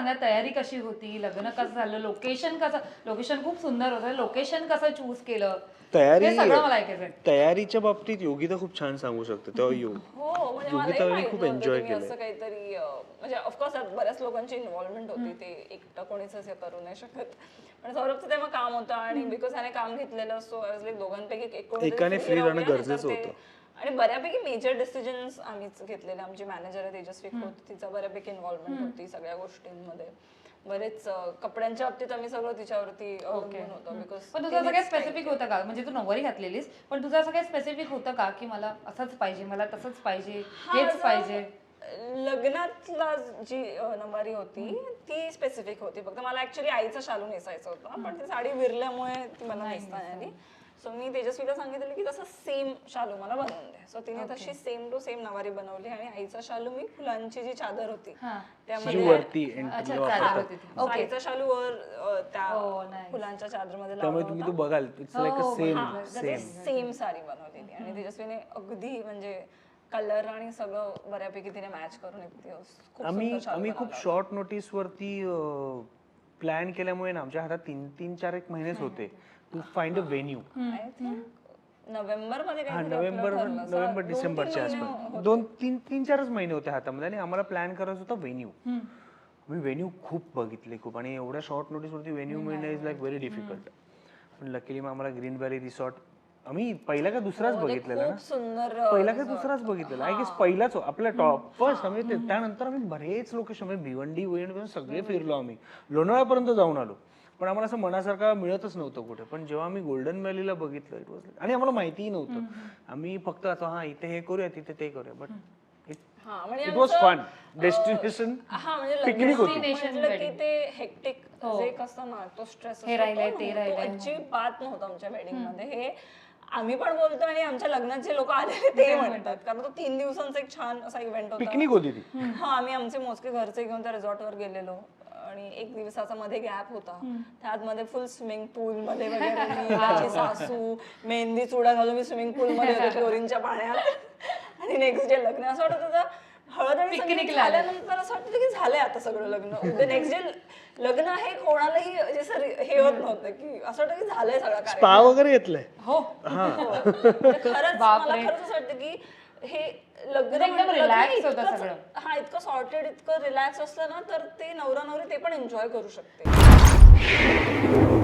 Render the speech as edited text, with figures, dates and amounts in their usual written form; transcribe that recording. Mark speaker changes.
Speaker 1: सांगा तयारी कशी होती, लग्न कसं झालं, लोकेशन खूप सुंदर होतं, लोकेशन कसं चूज केलं,
Speaker 2: तयारी
Speaker 1: हे सगळं मला ऐकायचं आहे.
Speaker 2: तयारीच्या बाबतीत योगिता खूप छान सांगू शकते तेव्हा
Speaker 3: हो म्हणजे मलाही खूप एन्जॉय केलं असं काहीतरी म्हणजे ऑफकोर्स बऱ्याच लोकांची इन्व्हॉल्वमेंट होती ते एकटं कोणीच असं करू नाही शकत पण सौरभचं तेव्हा काम होतं आणि बिकॉज ह्याने काम घेतलेलं असतो दोघांपैकी
Speaker 2: एकाने फ्री राहणं गरजेचं होतं
Speaker 3: आणि बऱ्यापैकी मेजर डिसिजन्स आम्हीच घेतलेले आमची मॅनेजर आहे तेजस्वी खोत तिचा बऱ्यापैकी इन्व्हॉल्वमेंट होती सगळ्या गोष्टींमध्ये बरेच कपड्यांच्या बाबतीत आम्ही सगळं तिच्यावरती अवलंबून होतं बिकॉज
Speaker 1: पण तुझं असं काही स्पेसिफिक होतं का म्हणजे तू नववारी घातलेलीस पण तुझं असं काही स्पेसिफिक होतं का की मला असंच पाहिजे मला तसंच पाहिजे हेच पाहिजे
Speaker 3: लग्नातला जी नंबारी होती ती स्पेसिफिक होती फक्त मला ऍक्च्युली आईचा शालू नेसायचा होता पण ती साडी विरल्यामुळे ती मला नेसता नाही आली सो मी तेजस्वीला सांगितलं की तसं सेम शालू मला बनवून दे सो तिने तशी सेम टू सेम नवारी बनवली आणि आईचा शालू मी फुलांची जी चादर होती त्यामध्ये आईचा शालू वर त्या फुलांच्या चादरमध्ये
Speaker 2: त्यामुळे तुम्ही तो बघाल it's like a same
Speaker 3: same sari बनवलेली आणि तेजस्वीने अगदी म्हणजे कलर आणि सगळं बऱ्यापैकी तिने मॅच करून
Speaker 2: आम्ही खूप शॉर्ट नोटीस वरती प्लॅन केल्यामुळे ना आमच्या हातात तीन चार एक महिनेच होते to find a venue November डिसेंबरच्या आसपास तीन चारच महिने होते हातामध्ये आणि आम्हाला प्लॅन करायचं होतं व्हेन्यू मी व्हेन्यू खूप बघितले खूप आणि एवढ्या शॉर्ट नोटीस वरती व्हेन्यू मिळणं इज लाईक व्हेरी डिफिकल्ट पण लकीली मग आम्हाला ग्रीन व्हॅली रिसॉर्ट आम्ही पहिला का दुसराच बघितलेला ना पहिला का दुसराच बघितलेला आय गेस पहिलाच आपला टॉप फर्स्ट आम्ही त्यानंतर आम्ही बरेच लोकेशन भिवंडी सगळे फिरलो आम्ही लोणावळ्यापर्यंत जाऊन आलो पण आम्हाला असं मनासारखं मिळतच नव्हतं कुठे पण जेव्हा आम्ही गोल्डन व्हॅलीला बघितलं इट वॉज आणि आम्हाला माहितीही नव्हतं आम्ही फक्त आता इथे हे करूया तिथे ते करूया but it was fun destination picnic होती
Speaker 3: की ते हेक्टिक जे कसं ना तो स्ट्रेस अजिबात नव्हता आमच्या वेडिंग मध्ये हे आम्ही पण बोलतो आणि आमच्या लग्नात जे लोक आलेले ते म्हणतात कारण तो 3 दिवसांचा एक छान असा इव्हेंट होता
Speaker 2: पिकनिक होती ती
Speaker 3: आम्ही आमचे मोजके घरचे घेऊन त्या रिसॉर्टवर गेलेलो आणि 1 दिवसाचा मध्ये गॅप होता त्यात मध्ये फुल स्विमिंग पूल मध्ये वगैरे माझी सासू मेहंदी चुडा घालून मी स्विमिंग पूल मध्ये होते क्लोरीनच्या पाण्यात आणि नेक्स्ट डे लग्न असं वाटत होतं हळद आणि पिकनिक झाल्यानंतर असं वाटतं की झालंय आता सगळं लग्न नेक्स्ट डे लग्न हे कोणालाही हे होत नव्हतं की असं वाटतं की झालंय सगळं
Speaker 2: स्पा वगैरे घेतलंय
Speaker 1: हो
Speaker 3: खरंच मला खरंच असं वाटतं की हे लग्न
Speaker 1: रिलॅक्स होतं सगळं
Speaker 3: इतकं सॉर्टेड इतकं रिलॅक्स असलं ना तर ते नवरा नवरी ते पण एन्जॉय करू शकते